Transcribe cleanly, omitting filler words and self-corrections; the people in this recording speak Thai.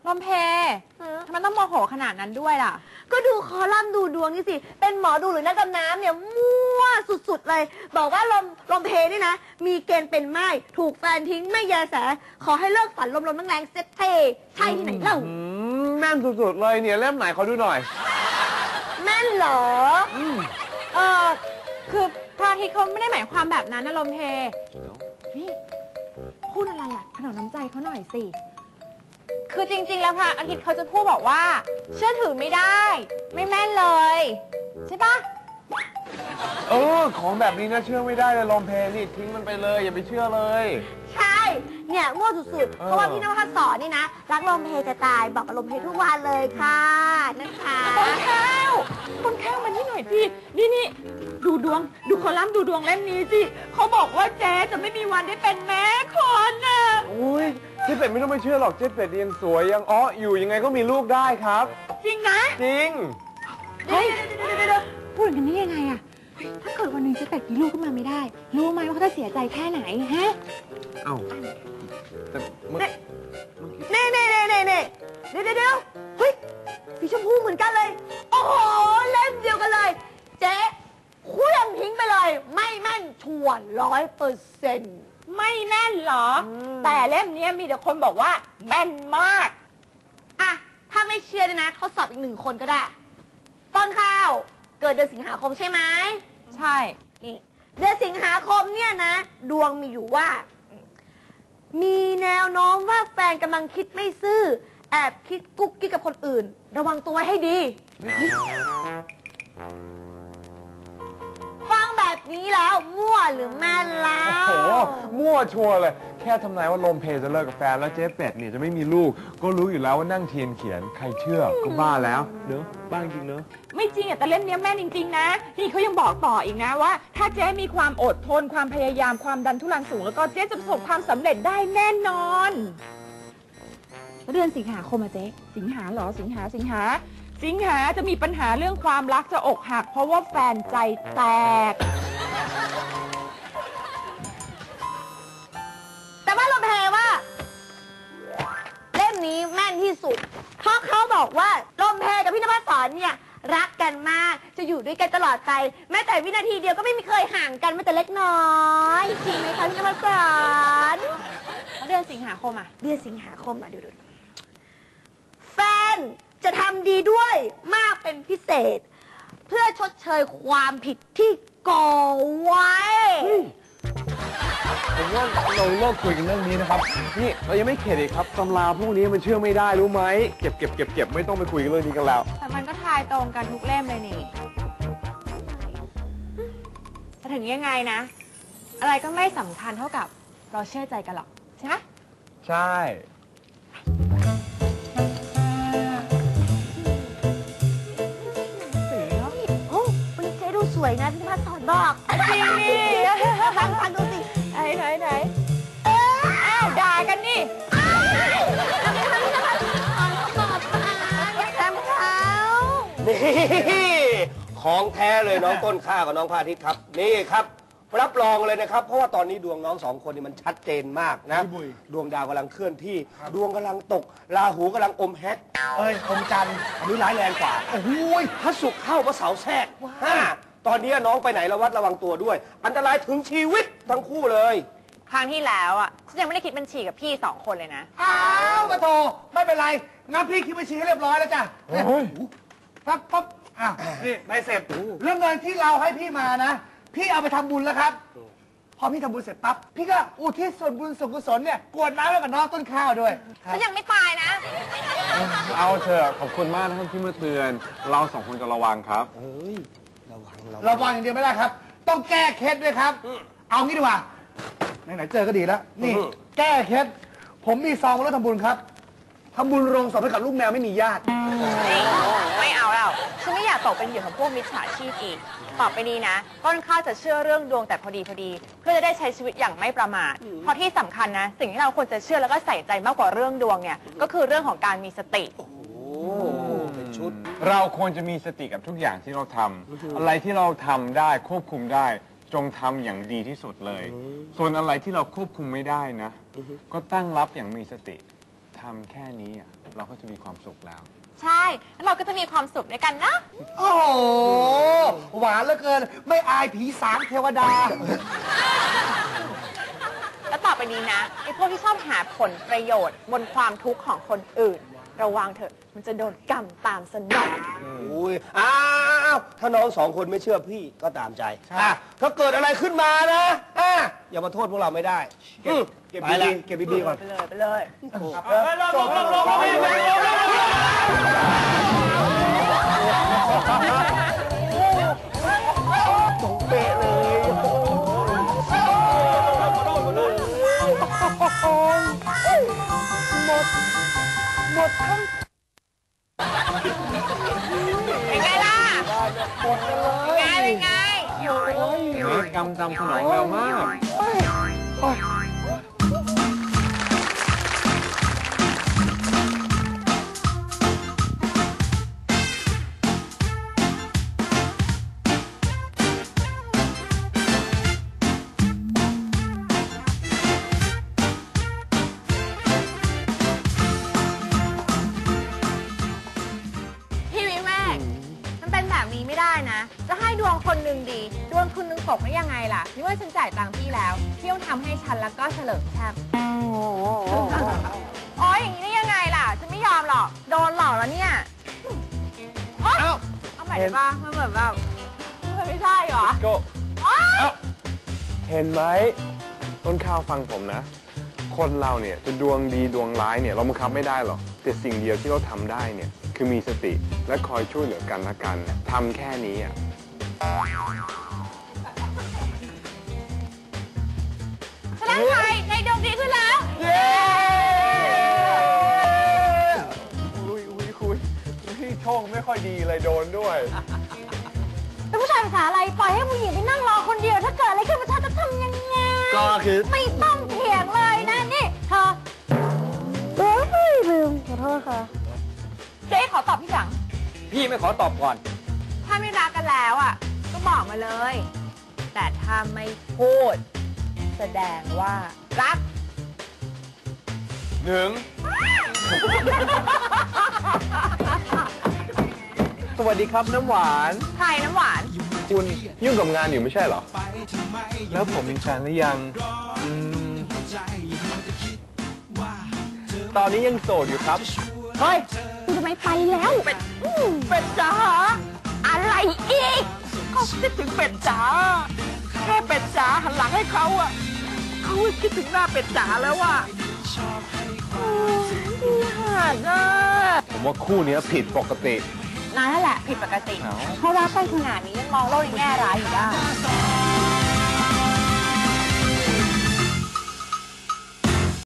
ลมเพทำไมต้องโมโหขนาดนั้นด้วยล่ะก็ดูคอลัมน์ดูดวงนี่สิเป็นหมอดูหรือนักดำน้ำเนี่ยมั่วสุดๆเลยบอกว่าลมเพนี่นะมีเกณฑ์เป็นไม้ถูกแฟนทิ้งไม่แยแสขอให้เลิกฝันลมๆแรงๆเซ็ตเทใช่ที่ไหนเล่าแม่นสุดๆเลยเนี่ยเล่มไหนขอดูหน่อยแม่นเหรอคือพระอาทิตย์เขาไม่ได้หมายความแบบนั้นนะลมเพนี่พูดอะไรอ่ะถนอมน้ำใจเขาหน่อยสิคือจริงๆแล้วพระอาทิตย์เขาจะพูดบอกว่าเชื่อถือไม่ได้ไม่แม่นเลยใช่ปะของแบบนี้นะเชื่อไม่ได้เลยลมเพนี่ทิ้งมันไปเลยอย่าไปเชื่อเลยใช่เนี่ยง่วงสุดๆเพราะว่าพี่นภัสสอนนี่นะรักลมเพจะตายบอกกับลมเพทุกวันเลยค่ะนะคะต้นข้าวมานี่หน่อยสินี่ดูดวงดูคอลัมน์ดูดวงเล่มนี้สิเขาบอกว่าเจ๊จะไม่มีวันได้เป็นแม่คนน่ะอุ้ยเจ๊เป็ดไม่ต้องไปเชื่อหรอกเจ๊เป็ดยังสวยยังอยู่ยังไงก็มีลูกได้ครับจริงนะจริงเฮ้ยพูดอย่างนี้ยังไงอะถ้าเกิดวันหนึ่งเจ๊เป็ดมีลูกขึ้นมาไม่ได้รู้ไหมว่าเขาจะเสียใจแค่ไหนฮะเอ้าแต่เน่เดี๋ยวเฮ้ยสีชมพูเหมือนกันเลยโอ้โหเล่มเดียวกันเลยเจ๊เครื่องทิ้งไปเลยไม่แม่นชัวร์100% ไม่แม่นเหรอแต่เล่มนี้มีแต่คนบอกว่าแม่นมากอะถ้าไม่เชื่อเลยนะทดสอบอีก1 คนก็ได้ต้นข้าวเกิดเดือนสิงหาคมใช่ไหมใช่นี่เดือนสิงหาคมเนี่ยนะดวงมีอยู่ว่ามีแนวโน้มว่าแฟนกำลังคิดไม่ซื่อแอบคิดกุ๊กกิ๊กกับคนอื่นระวังตัวไว้ให้ดีฟังแบบนี้แล้วมั่วหรือแม่นแล้วโอ้โหมั่วชัวร์เลยแค่ทำนายว่าลมเพจะเลิกกับแฟนแล้วเจ๊เป็ดเนี่ยจะไม่มีลูกก็รู้อยู่แล้วว่านั่งเทียนเขียนใครเชื่อก็บ้าแล้วเนอะบ้าจริงเนอะไม่จริงอ่ะแต่เล่มนี้แม่นจริงๆนะนี่เขายังบอกต่ออีกนะว่าถ้าเจ๊มีความอดทนความพยายามความดันทุรังสูงแล้วก็เจ๊จะประสบความสำเร็จได้แน่นอนเดือนสิงหาคมอะเจ๊สิงหาเหรอสิงหาจะมีปัญหาเรื่องความรักจะอกหักเพราะว่าแฟนใจแตกแต่ว่าลมเพว่าเล่มนี้แม่นที่สุดเพราะเขาบอกว่าลมเพกับพี่นภัสสอนเนี่ยรักกันมากจะอยู่ด้วยกันตลอดไปแม้แต่วินาทีเดียวก็ไม่เคยห่างกันแม้แต่เล็กน้อยจริงไหมคะพี่นภัสสอนเดือนสิงหาคมอะเดือนสิงหาคมอะดูแฟนจะทำดีด้วยมากเป็นพิเศษเพื่อชดเชยความผิดที่ก่อไว้ผมว่าเราเลิกคุยกันเรื่องนี้นะครับนี่เรายังไม่เข็ดอีกครับตำราพวกนี้มันเชื่อไม่ได้รู้ไหมเก็บไม่ต้องไปคุยกันเรื่องนี้กันแล้วแต่มันก็ทายตรงกันทุกเล่มเลยนี่แต่ถึงยังไงนะอะไรก็ไม่สำคัญเท่ากับเราเชื่อใจกันหรอกใช่ไหมใช่สวยนะพี่นภัสสอนบอกจริงนี่ฟังดูสิไหนอ้าวด่ากันนี่พี่นภัสสอนเขาบอกอย่าทำเขานี่ของแท้เลยน้องต้นข้าวกับน้องพระอาทิตย์ครับนี่ครับรับรองเลยนะครับเพราะว่าตอนนี้ดวงน้อง2 คนนี่มันชัดเจนมากนะดวงดาวกำลังเคลื่อนที่ดวงกำลังตกราหูกำลังอมแฮกอมจันทร์อันนี้ร้ายแรงกว่าโอ้ยพระศุกร์เข้าพระเสาร์แทรกตอนนี้น้องไปไหนระวังตัวด้วยอันตรายถึงชีวิตทั้งคู่เลยครั้งที่แล้วอ่ะฉันยังไม่ได้คิดบัญชีกับพี่2 คนเลยนะอ้าวมาโทไม่เป็นไรงั้นพี่คิดบัญชีให้เรียบร้อยแล้วจ้ะปั๊บนี่ใบเสร็จเรื่องเงินที่เราให้พี่มานะพี่เอาไปทำบุญแล้วครับพอพี่ทำบุญเสร็จปั๊บพี่ก็อุทิศส่วนบุญส่วนกุศลเนี่ยกรวดน้ำให้กับน้องต้นข้าวด้วยฉันยังไม่ตายนะเอาเถอะขอบคุณมากนะครับที่มาเตือนเรา2 คนจะระวังครับระวังอย่างเดียวไม่ได้ครับต้องแก้เคล็ดด้วยครับเอางี้ดีกว่าไหนเจอก็ดีแล้วนี่แก้เคล็ดผมมีซองรถทำบุญครับทำบุญโรงศพให้กับลูกแมวไม่มีญาติไม่เอาแล้วฉันไม่อยากตกเป็นเหยื่อของพวกมิจฉาชีพอีกต่อไปนี้นะต้นข้าวจะเชื่อเรื่องดวงแต่พอดีเพื่อจะได้ใช้ชีวิตอย่างไม่ประมาทเพราะที่สำคัญนะสิ่งที่เราควรจะเชื่อแล้วก็ใส่ใจมากกว่าเรื่องดวงเนี่ยก็คือเรื่องของการมีสติเป็นชุดเราควรจะมีสติกับทุกอย่างที่เราทำอะไรที่เราทำได้ควบคุมได้จงทำอย่างดีที่สุดเลยส่วนอะไรที่เราควบคุมไม่ได้นะก็ตั้งรับอย่างมีสติทำแค่นี้อ่ะเราก็จะมีความสุขแล้วใช่แล้วเราก็จะมีความสุขด้วยกันนะโอ้โห หวานเหลือเกิน ไม่อายผีสางเทวดาแล้วต่อไปนี้นะไอ้พวกที่ชอบหาผลประโยชน์บนความทุกข์ของคนอื่น ระวังเถอะมันจะโดนกรรมตามสนองอุ้ยอ้าวถ้าน้องสองคนไม่เชื่อพี่ก็ตามใจอ่ะถ้าเกิดอะไรขึ้นมานะอย่ามาโทษพวกเราไม่ได้เก็บดีๆเก็บดีๆก่อนไปเลยไปเลยเป๊ะเลยเป็นไงล่ะเป็นไงกรรมตามสนองเร็วมากพี่วิเวกมันเป็นแบบนี้ไม่ได้นะ จะให้ดวงคนหนึ่งดี ดวงคนหนึ่งตกได้ยังไงล่ะพี่ว่าฉันจ่ายตังค์พี่แล้ว พี่ต้องทำให้ฉันแล้วก็เฉลิมแชมป์อ๋ออย่างนี้ได้ยังไงล่ะ ฉันไม่ยอมหรอก โดนหลอกแล้วเนี่ยโอ๊ยเอาใหม่ได้ปะมันเหมือนแบบมันไม่ใช่เหรอก็โอ๊ยเห็นไหมต้นข้าวฟังผมนะ คนเราเนี่ยจะดวงดีดวงร้ายเนี่ยเราบังคับไม่ได้หรอกแต่สิ่งเดียวที่เราทำได้เนี่ยคือมีสติและคอยช่วยเหลือกันและกันทำแค่นี้อ่ะแสดงไทยในดวงดีขึ้นแล้วอุ้ยคุณพี่โชคไม่ค่อยดีเลยโดนด้วยแล้วผู้ชายภาษาอะไร ปล่อยให้ผู้หญิงไปนั่งรอคนเดียว ถ้าเกิดอะไรขึ้นมาเธอจะทำยังไงก็คือไม่ต้องเถียงเลยนะนี่เธอเฮ้ยลืมขอโทษค่ะเจ๊ขอตอบพี่จังพี่ไม่ขอตอบก่อนถ้าไม่รักกันแล้วอ่ะ ก็บอกมาเลย แต่ถ้าไม่พูด แสดงว่ารักหนึ่ง สวัสดีครับน้ำหวานใครน้ำหวานคุณยุ่งกับงานอยู่ไม่ใช่เหรอ แล้วผมมีแฟนหรือยังตอนนี้ยังโสดอยู่ครับเฮ้ยคุณจะไม่ไปแล้วเป็ดจ๋าอะไรอีกเขาคิดถึงเป็ดจ๋า แค่เป็ดจ๋าหันหลังให้เขาอ่ะ เขาคิดถึงหน้าเป็ดจ๋าแล้วอ่ะหันอ่ะผมว่าคู่นี้ผิดปกตินายนั่นแหละผิดปกติ เพราะรักกันขนาดนี้ยังมองโลกในแง่ร้ายอยู่ได้